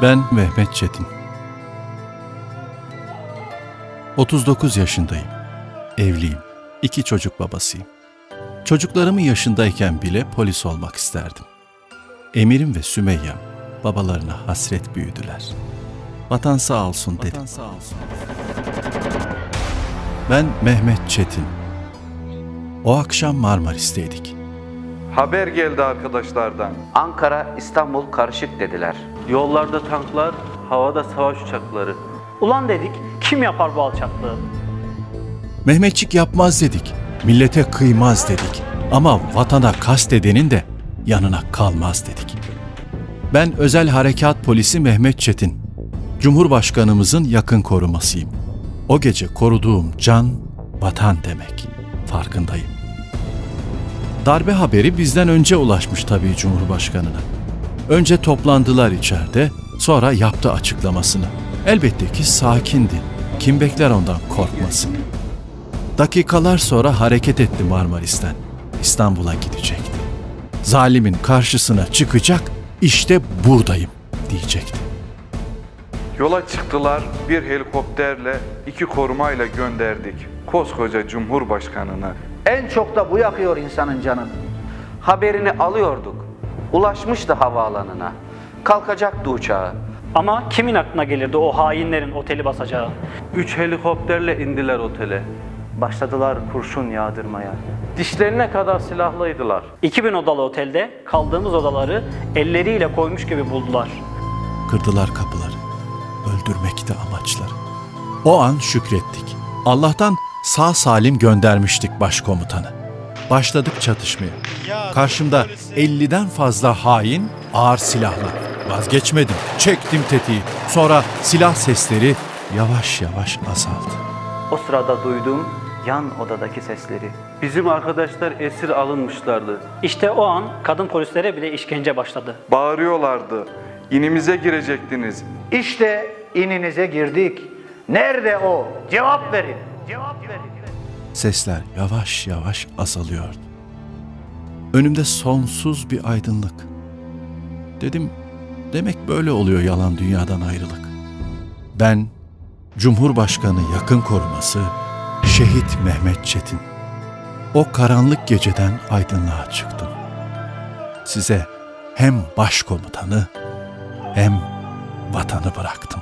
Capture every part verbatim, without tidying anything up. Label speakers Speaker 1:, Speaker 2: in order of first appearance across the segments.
Speaker 1: Ben Mehmet Çetin. otuz dokuz yaşındayım. Evliyim. İki çocuk babasıyım. Çocuklarımın yaşındayken bile polis olmak isterdim. Emir'im ve Sümeyyem babalarına hasret büyüdüler. Vatan sağ olsun dedim. Vatan sağ olsun. Ben Mehmet Çetin. O akşam Marmaris'teydik.
Speaker 2: Haber geldi arkadaşlardan.
Speaker 3: Ankara, İstanbul karışık dediler.
Speaker 4: Yollarda tanklar, havada savaş uçakları.
Speaker 5: Ulan dedik, kim yapar bu alçaklığı?
Speaker 1: Mehmetçik yapmaz dedik, millete kıymaz dedik. Ama vatana kast edenin de yanına kalmaz dedik. Ben Özel Harekat Polisi Mehmet Çetin. Cumhurbaşkanımızın yakın korumasıyım. O gece koruduğum can, vatan demek. Farkındayım. Darbe haberi bizden önce ulaşmış tabii Cumhurbaşkanına. Önce toplandılar içeride, sonra yaptı açıklamasını. Elbette ki sakindi. Kim bekler ondan korkmasını. Dakikalar sonra hareket etti Marmaris'ten. İstanbul'a gidecekti. Zalimin karşısına çıkacak, işte buradayım diyecekti.
Speaker 2: Yola çıktılar, bir helikopterle, iki korumayla gönderdik koskoca Cumhurbaşkanını.
Speaker 3: En çok da bu yakıyor insanın canını. Haberini alıyorduk. Ulaşmıştı havaalanına. Kalkacaktı uçağı.
Speaker 5: Ama kimin aklına gelirdi o hainlerin oteli basacağı?
Speaker 4: Üç helikopterle indiler otele.
Speaker 6: Başladılar kurşun yağdırmaya.
Speaker 4: Dişlerine kadar silahlıydılar.
Speaker 5: iki bin odalı otelde kaldığımız odaları elleriyle koymuş gibi buldular.
Speaker 1: Kırdılar kapıları. Öldürmekti amaçları. O an şükrettik. Allah'tan sağ salim göndermiştik başkomutanı. Başladık çatışmaya. Karşımda elliden fazla hain, ağır silahla. Vazgeçmedim, çektim tetiği. Sonra silah sesleri yavaş yavaş azaldı.
Speaker 6: O sırada duydum yan odadaki sesleri.
Speaker 4: Bizim arkadaşlar esir alınmışlardı.
Speaker 5: İşte o an kadın polislere bile işkence başladı.
Speaker 2: Bağırıyorlardı, inimize girecektiniz.
Speaker 7: İşte ininize girdik. Nerede o? Cevap verin. Cevap verin.
Speaker 1: Sesler yavaş yavaş azalıyordu. Önümde sonsuz bir aydınlık. Dedim, demek böyle oluyor yalan dünyadan ayrılık. Ben, Cumhurbaşkanı yakın koruması, Şehit Mehmet Çetin. O karanlık geceden aydınlığa çıktım. Size hem başkomutanı hem vatanı bıraktım.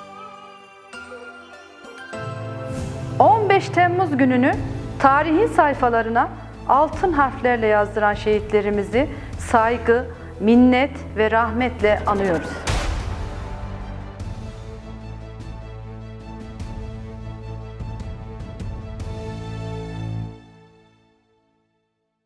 Speaker 8: on beş Temmuz gününü tarihin sayfalarına altın harflerle yazdıran şehitlerimizi saygı, minnet ve rahmetle anıyoruz.